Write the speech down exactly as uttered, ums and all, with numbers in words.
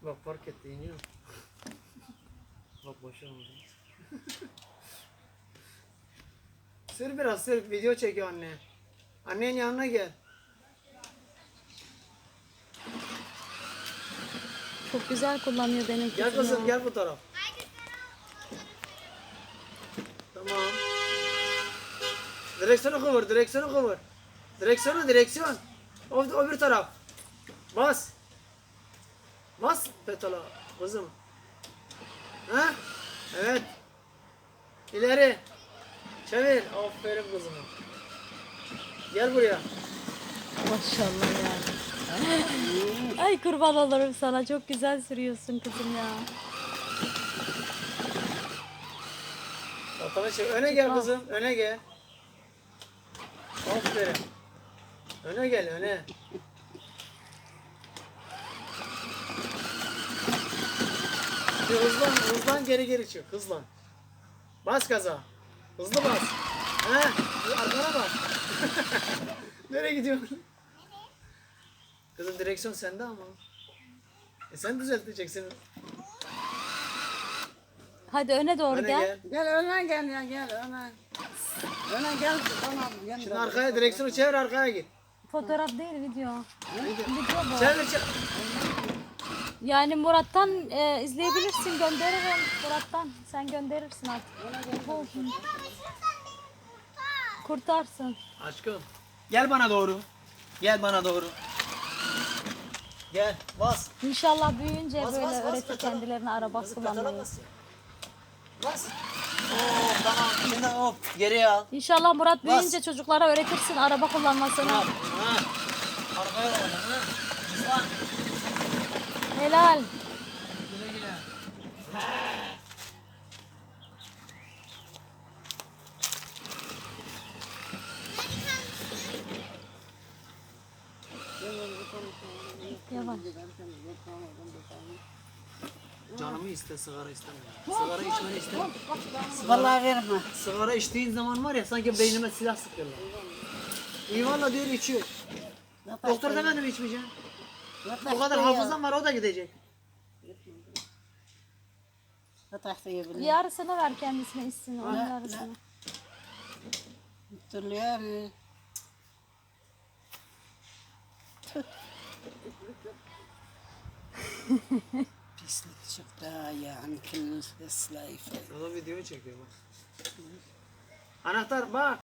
Bak fark etti iniyor. Bak boşa oldu. Sür biraz sür, video çekiyor anne. Annenin yanına gel. Çok güzel kullanıyor benim kızım. Gel kızım ya. gel bu taraf. Tamam. Direksiyonu kıvır, direksiyonu kıvır. Direksiyonu, direksiyon. O, o bir taraf. Bas. Bas pedala kızım. Ha? Evet. İleri. Çevir. Aferin kızım. Gel buraya. Maşallah ya. Ay kurban olurum sana. Çok güzel sürüyorsun kızım ya. Ortalığı çevir. Öne gel Çıkma. kızım. Öne gel. Aferin. Öne gel öne. Bir hızlan, hızlan geri geri çık. Hızlan. Bas gaza. Hızlı bas. He, arkana bak. Nereye gidiyorsun? Kızım direksiyon sende ama. E sen düzelteceksin. Hadi öne doğru Öne gel. gel. Gel öne gel ya gel öne. Öne gel tamam. Şimdi arkaya direksiyonu çevir arkaya git. Fotoğraf değil video. Video. Video bu. Çevir çevir. Yani Murat'tan e, izleyebilirsin. Gönderirim Murat'tan. Sen gönderirsin artık. Bu- Kurtarsın. Aşkım. Gel bana doğru. Gel bana doğru. Gel bas. İnşallah büyüyünce Bas, böyle bas, bas, öğretir pedala. kendilerine araba Kızım pedala kullanmayı. bas. Bas. Oo tamam. Şimdi hop geriye al. İnşallah Murat Bas. büyüyünce çocuklara öğretirsin araba kullanmasını. Ha. Arkaya bak. Ha. Hızlan. Helal. Güle güle. Yavaş. Canımı iste, sigara istemiyorum. Sigara içmeni istemiyorum. Vallahi verme. Sigara içtiğin zaman var ya sanki beynime silah sıkıyorlar. İyi valla diyor içiyor. Doktor demedi mi içmeyeceğim? O kadar hafızam var o da gidecek. Yarısını ver kendisine içsin. Onun Ha, yarısını. Hatırlıyor. Pislik çıktı yani kıllı slayfe. O da videoyu çekiyor bak. Anahtar bak.